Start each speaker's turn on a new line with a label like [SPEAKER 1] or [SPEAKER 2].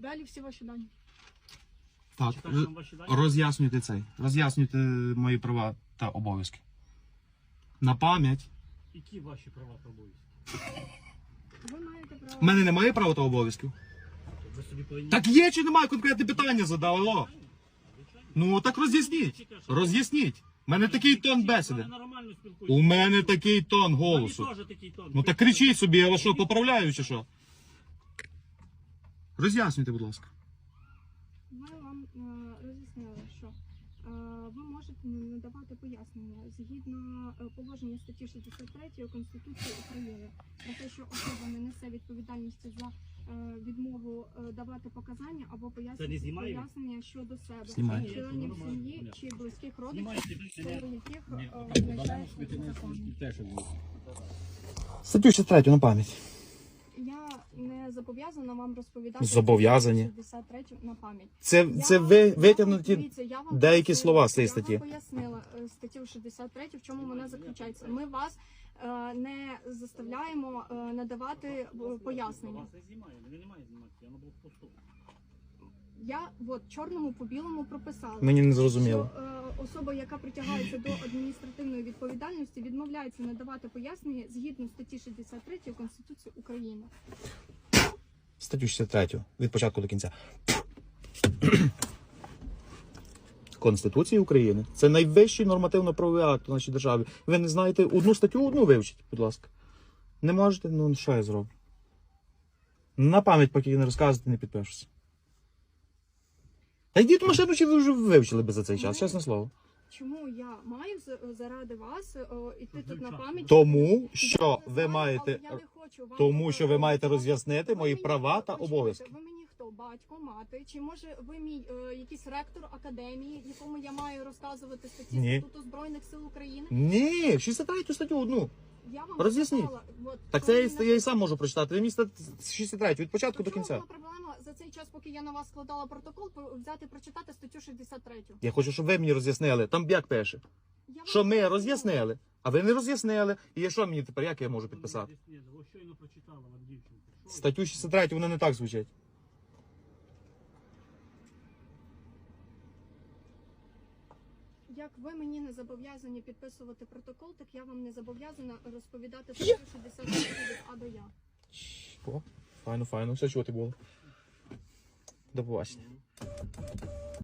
[SPEAKER 1] Далі всі ваші дані.
[SPEAKER 2] Так,
[SPEAKER 3] Читати нам ваші дані?
[SPEAKER 2] роз'яснюйте мої права та обов'язки. На пам'ять.
[SPEAKER 3] Які ваші права та обов'язки?
[SPEAKER 1] Ви маєте право.
[SPEAKER 2] У мене немає права та обов'язків.
[SPEAKER 3] Ви собі повинні...
[SPEAKER 2] Так є чи немає, конкретне питання задав, алло? Ну так роз'ясніть. Роз'ясніть. У мене такий тон бесіди.
[SPEAKER 3] Я нормально спілкуюся.
[SPEAKER 2] У мене такий тон
[SPEAKER 3] У мене
[SPEAKER 2] голосу.
[SPEAKER 3] теж такий тон.
[SPEAKER 2] Ну так кричіть собі, я вас що, поправляю чи що? Роз'яснюйте, будь ласка.
[SPEAKER 1] Ми вам роз'яснили, що ви можете надавати пояснення згідно положення статті 63 Конституції України про те, що особа не несе відповідальності за відмову давати показання або
[SPEAKER 3] Це не знімає?
[SPEAKER 1] пояснення щодо себе,
[SPEAKER 2] Знімає.
[SPEAKER 1] членів сім'ї чи близьких родичів,
[SPEAKER 3] Знімайте,
[SPEAKER 1] щодо яких визначається законом.
[SPEAKER 2] Статтю 63 на пам'ять.
[SPEAKER 1] Я не зобов'язана вам розповідати
[SPEAKER 2] Зобов'язані.
[SPEAKER 1] 63 на пам'ять.
[SPEAKER 2] Це ви витягнуті
[SPEAKER 1] Дивіться, я вам
[SPEAKER 2] деякі
[SPEAKER 1] пояснила,
[SPEAKER 2] слова з цієї
[SPEAKER 1] Я
[SPEAKER 2] статті.
[SPEAKER 1] вам пояснила статтю 63, в чому вона заключається. Ми вас не заставляємо надавати пояснення.
[SPEAKER 3] Вас не знімає, мене немає знімати, я на блокпосту.
[SPEAKER 1] Я от чорному по білому прописала.
[SPEAKER 2] Мені не зрозуміло.
[SPEAKER 1] Що особа, яка притягається до адміністративної відповідальності, відмовляється надавати пояснення згідно статті 63 Конституції України.
[SPEAKER 2] Статтю 63 від початку до кінця. Конституції України. Це найвищий нормативно-правовий акт у нашій державі. Ви не знаєте одну статтю, одну вивчіть, будь ласка. Не можете? Ну що я зроблю? На пам'ять, поки не розказуєте, не підпишуся. Та йдіть в машину, чи ви вже вивчили би за цей час, чесне слово.
[SPEAKER 1] Чому я маю заради вас іти тут на пам'ять?
[SPEAKER 2] Тому що
[SPEAKER 1] Я
[SPEAKER 2] ви
[SPEAKER 1] не знаю,
[SPEAKER 2] маєте,
[SPEAKER 1] але я не хочу вам
[SPEAKER 2] тому що ви маєте
[SPEAKER 1] говорити.
[SPEAKER 2] роз'яснити
[SPEAKER 1] Ви
[SPEAKER 2] мої
[SPEAKER 1] мені-
[SPEAKER 2] права та
[SPEAKER 1] почекайте,
[SPEAKER 2] обов'язки.
[SPEAKER 1] Ви мені хто? Батько, мати? Чи може ви мій якийсь ректор академії, якому я маю розказувати статті
[SPEAKER 2] Ні.
[SPEAKER 1] Статуту Збройних сил України?
[SPEAKER 2] Ні, 63 статтю одну.
[SPEAKER 1] Я вам
[SPEAKER 2] Роз'ясніть.
[SPEAKER 1] сказала, от,
[SPEAKER 2] Так
[SPEAKER 1] коли
[SPEAKER 2] це я і сам можу прочитати. Ви мені 63 від початку до
[SPEAKER 1] Чому
[SPEAKER 2] кінця.
[SPEAKER 1] була проблема за цей час, поки я на вас складала протокол, взяти прочитати статтю 63?
[SPEAKER 2] Я хочу, щоб ви мені роз'яснили. Там як пише?
[SPEAKER 1] Я вам
[SPEAKER 2] Що ми
[SPEAKER 1] пояснила.
[SPEAKER 2] роз'яснили, а ви не роз'яснили. І що мені тепер, як я можу підписати?
[SPEAKER 3] Ні, ви щойно прочитала вам дівчинку. Що
[SPEAKER 2] Статтю 63, вона не так звучить.
[SPEAKER 1] Як ви мені не зобов'язані підписувати протокол, так я вам не зобов'язана розповідати статтю 63 від А до Я.
[SPEAKER 2] О, файно, файно. Все, чого ти було. До побачення.